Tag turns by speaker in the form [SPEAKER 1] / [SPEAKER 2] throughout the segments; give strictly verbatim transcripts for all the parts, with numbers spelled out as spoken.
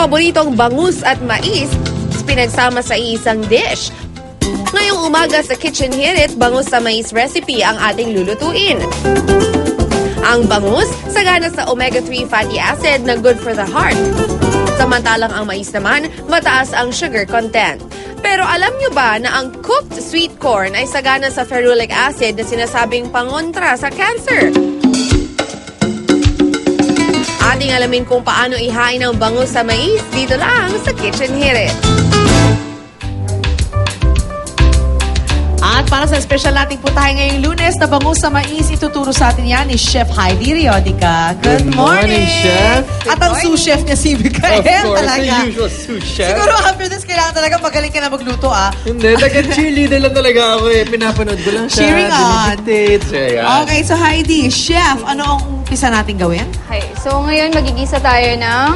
[SPEAKER 1] paboritong bangus at mais pinagsama sa isang dish. Ngayong umaga sa Kitchen Hirit, bangus sa mais recipe ang ating lulutuin. Ang bangus, sagana sa omega three fatty acid na good for the heart. Samantalang ang mais naman, mataas ang sugar content. Pero alam nyo ba na ang cooked sweet corn ay sagana sa ferulic acid na sinasabing pangontra sa cancer? Ating alamin kung paano ihain ang bangus sa mais dito lang sa Kitchen Hirit.
[SPEAKER 2] At para sa special nating putahe ngayong Lunes na bangus sa mais, ituturo sa atin yan ni Chef Heidi Riodica. Good,
[SPEAKER 3] Good morning, Chef.
[SPEAKER 2] At ang sous chef niya si Mikael
[SPEAKER 3] Of course,
[SPEAKER 2] talaga.
[SPEAKER 3] the usual sous chef.
[SPEAKER 2] Siguro after this, kailangan talaga magaling ka na magluto ah.
[SPEAKER 3] Hindi, taga-cheerleader lang talaga ako eh. Pinapanood ko lang siya.
[SPEAKER 2] Cheering on.
[SPEAKER 3] Dinidictate siya, yan.
[SPEAKER 2] Okay, so Heidi, Chef, ano ang umpisa natin gawin?
[SPEAKER 4] Okay, so ngayon magigisa tayo ng,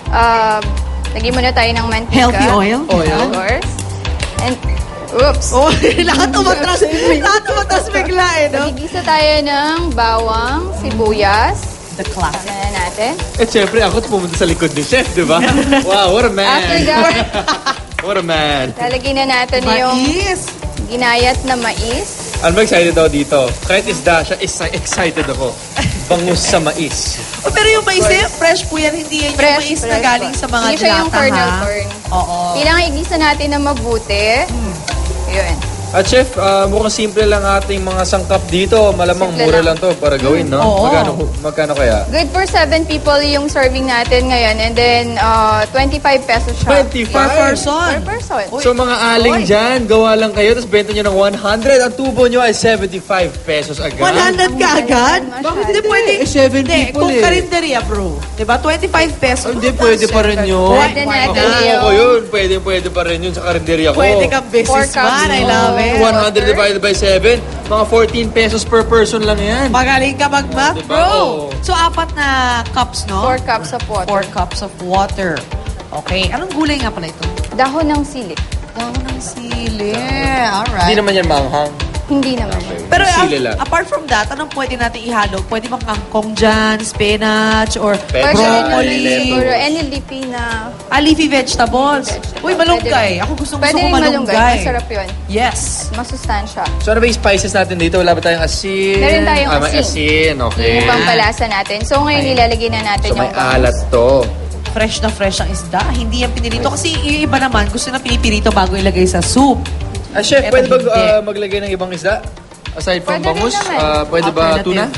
[SPEAKER 4] uh, lagyan muna tayo ng mantika.
[SPEAKER 2] Healthy oil?
[SPEAKER 3] Oil.
[SPEAKER 4] Of course. And, oops.
[SPEAKER 2] Oh, lahat umatras. Lahat umatras bigla eh, no?
[SPEAKER 4] Magigisa tayo ng bawang, sibuyas.
[SPEAKER 2] The classic.
[SPEAKER 4] Ano na natin?
[SPEAKER 3] Eh, syempre, ako pumunta sa likod ni Chef, di ba? Wow, what a man.
[SPEAKER 4] After that,
[SPEAKER 3] What a man.
[SPEAKER 4] lalagyan na natin yung
[SPEAKER 2] Mais.
[SPEAKER 4] ginayat na mais.
[SPEAKER 3] Alam mo, excited ako dito. Kahit isda siya, is- excited ako. Bangus sa mais.
[SPEAKER 2] Oh, pero yung mais eh, fresh po yan. Hindi yan yung
[SPEAKER 4] Fresh,
[SPEAKER 2] mais na
[SPEAKER 4] fresh
[SPEAKER 2] galing
[SPEAKER 4] po.
[SPEAKER 2] sa mga
[SPEAKER 4] Hindi siya yung
[SPEAKER 2] dilata,
[SPEAKER 4] kernel
[SPEAKER 2] ha?
[SPEAKER 4] corn.
[SPEAKER 2] Oo.
[SPEAKER 4] Kailangan igisa natin na mabuti. Yun.
[SPEAKER 3] At Chef, ah, mukhang simple lang ating mga sangkap dito. Malamang
[SPEAKER 4] Simple
[SPEAKER 3] mura
[SPEAKER 4] lang.
[SPEAKER 3] lang to para gawin, no?
[SPEAKER 2] Oo.
[SPEAKER 3] Magkano, magkano kaya?
[SPEAKER 4] Good for seven people yung serving natin ngayon. And then, uh, twenty-five pesos siya.
[SPEAKER 3] twenty-five?
[SPEAKER 2] Per person.
[SPEAKER 4] Per person.
[SPEAKER 3] So mga aling
[SPEAKER 2] Oy.
[SPEAKER 3] dyan, gawa lang kayo, tapos benta nyo ng one hundred. Ang tubo nyo ay seventy-five pesos agad.
[SPEAKER 2] one hundred ka agad?
[SPEAKER 4] Masyado.
[SPEAKER 2] Bakit hindi pwede?
[SPEAKER 3] Eh, seven
[SPEAKER 2] Hindi,
[SPEAKER 3] people
[SPEAKER 2] kung
[SPEAKER 3] eh.
[SPEAKER 2] karinderya, bro. Diba? twenty-five pesos.
[SPEAKER 3] Oh, hindi, pwede pa rin yun.
[SPEAKER 4] Pwede natin
[SPEAKER 3] Ako,
[SPEAKER 4] yun.
[SPEAKER 3] ako yun. Pwede, pwede pa rin yun sa karinderya ko.
[SPEAKER 2] Pwede kang
[SPEAKER 4] Four
[SPEAKER 2] businessman.
[SPEAKER 4] cups.
[SPEAKER 2] I love it.
[SPEAKER 3] one hundred divided by seven, mga fourteen pesos per person lang yan.
[SPEAKER 2] Magaling ka mag-math,
[SPEAKER 3] Diba?
[SPEAKER 2] bro.
[SPEAKER 3] Oo.
[SPEAKER 2] So, apat na cups, no?
[SPEAKER 4] Four cups of water.
[SPEAKER 2] Four cups of water. Okay. Anong gulay nga pala ito?
[SPEAKER 4] Dahon ng sili.
[SPEAKER 2] Dahon ng sili. Alright.
[SPEAKER 3] Hindi naman yan manghang.
[SPEAKER 4] Hindi naman.
[SPEAKER 2] Pero
[SPEAKER 3] Sili
[SPEAKER 2] uh,
[SPEAKER 3] lang.
[SPEAKER 2] apart from that, anong pwede natin ihalo? Pwede bang kangkong dyan, spinach, or
[SPEAKER 3] Pwede.
[SPEAKER 4] Pwede rin naman
[SPEAKER 2] broccoli?
[SPEAKER 4] siguro any leafy na
[SPEAKER 2] Ah, leafy vegetables.
[SPEAKER 4] vegetable.
[SPEAKER 2] Uy, malunggay.
[SPEAKER 4] Pwede rin.
[SPEAKER 2] Ako gusto, gusto
[SPEAKER 4] Pwede
[SPEAKER 2] ko
[SPEAKER 4] rin
[SPEAKER 2] malunggay.
[SPEAKER 4] malunggay. Masarap yun.
[SPEAKER 2] Yes.
[SPEAKER 4] Masustansya.
[SPEAKER 3] So ano ba yung spices natin dito? Wala ba tayong asin?
[SPEAKER 4] Meron tayong
[SPEAKER 3] ah, may
[SPEAKER 4] asin.
[SPEAKER 3] asin. Okay.
[SPEAKER 4] Yung pampalasa natin. So ngayon
[SPEAKER 2] Okay.
[SPEAKER 4] ilalagay na natin
[SPEAKER 3] So may
[SPEAKER 4] yung bangus.
[SPEAKER 3] alat to.
[SPEAKER 2] Fresh na fresh ang isda. Hindi yan pinirito. Kasi yung iba naman, gusto na pinipirito bago ilagay sa soup.
[SPEAKER 3] Ah, Chef,
[SPEAKER 2] Eto,
[SPEAKER 3] pwede ba
[SPEAKER 2] hindi.
[SPEAKER 3] uh, maglagay ng ibang isda? Aside from
[SPEAKER 4] Pwede rin
[SPEAKER 3] bangus,
[SPEAKER 4] naman.
[SPEAKER 3] ah, pwede ba
[SPEAKER 2] Alternative.
[SPEAKER 3] tuna?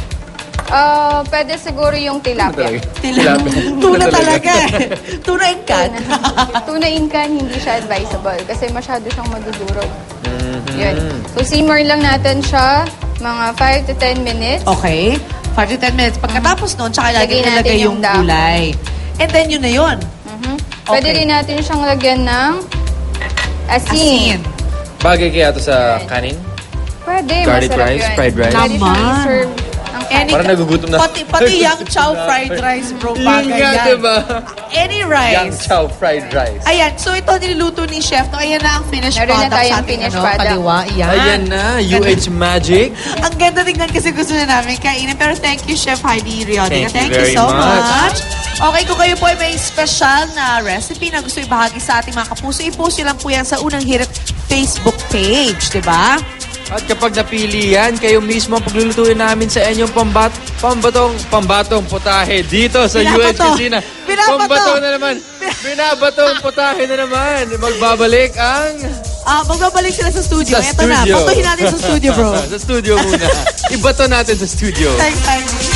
[SPEAKER 4] Ah, pwede siguro yung tilapia.
[SPEAKER 2] Tila, tuna talaga eh. Tuna and can.
[SPEAKER 4] Tuna in can, hindi siya advisable kasi masyado siyang madudurog.
[SPEAKER 3] Mhm.
[SPEAKER 4] Yun. So simmer lang natin siya mga five to ten minutes.
[SPEAKER 2] Okay. five to ten minutes. Pagkatapos nun, tsaka lagi
[SPEAKER 4] Lagyan natin
[SPEAKER 2] nilagay yung
[SPEAKER 4] yung dahon.
[SPEAKER 2] gulay. And then yun na yun.
[SPEAKER 4] Mhm. Pwede
[SPEAKER 2] Okay.
[SPEAKER 4] rin natin siyang lagyan ng asin.
[SPEAKER 2] Asin.
[SPEAKER 3] Bagay kaya to sa kanin?
[SPEAKER 4] Pwede,
[SPEAKER 3] Garlic
[SPEAKER 4] masarap
[SPEAKER 3] rice,
[SPEAKER 4] yun.
[SPEAKER 3] fried rice.
[SPEAKER 4] Pwede siyang
[SPEAKER 2] Naman.
[SPEAKER 4] i-serve ang
[SPEAKER 2] Any,
[SPEAKER 3] Parang nagugutom na.
[SPEAKER 2] Pati, pati yang chow fried rice, bro.
[SPEAKER 3] Yun
[SPEAKER 2] Bagay
[SPEAKER 3] nga,
[SPEAKER 2] yan.
[SPEAKER 3] diba?
[SPEAKER 2] Any
[SPEAKER 3] Yang
[SPEAKER 2] rice.
[SPEAKER 3] chow fried rice.
[SPEAKER 2] Ayan, so ito niluluto ni Chef. No, ayan na ang finished
[SPEAKER 4] Meron na
[SPEAKER 2] product
[SPEAKER 4] tayong
[SPEAKER 2] sa ating
[SPEAKER 4] finished
[SPEAKER 2] ano,
[SPEAKER 4] product.
[SPEAKER 2] kaliwa. Ayan.
[SPEAKER 3] Ayan na, U H Magic.
[SPEAKER 2] Ang ganda tingnan kasi gusto na namin kainin. Pero thank you, Chef Heidi Riodica.
[SPEAKER 3] Thank
[SPEAKER 2] Thank,
[SPEAKER 3] you
[SPEAKER 2] you
[SPEAKER 3] very
[SPEAKER 2] so
[SPEAKER 3] much.
[SPEAKER 2] much. Okay, kung kayo po ay may special na recipe na gusto ibahagi sa ating mga kapuso, i-post nyo lang po yan sa Unang Hirit Facebook page, di ba?
[SPEAKER 3] At kapag napili yan, kayo mismo ang paglulutuin namin sa inyong pambat pambatong pambatong putahe dito sa U H
[SPEAKER 2] Binabato.
[SPEAKER 3] Kusina.
[SPEAKER 2] Binabato.
[SPEAKER 3] Pambato na naman. Binabatong putahe na naman. Magbabalik ang...
[SPEAKER 2] Ah, magbabalik sila sa studio.
[SPEAKER 3] Sa
[SPEAKER 2] Ito na,
[SPEAKER 3] studio.
[SPEAKER 2] patuhin natin sa studio, bro.
[SPEAKER 3] sa studio muna. Ibato natin sa studio.
[SPEAKER 2] Thanks, thanks.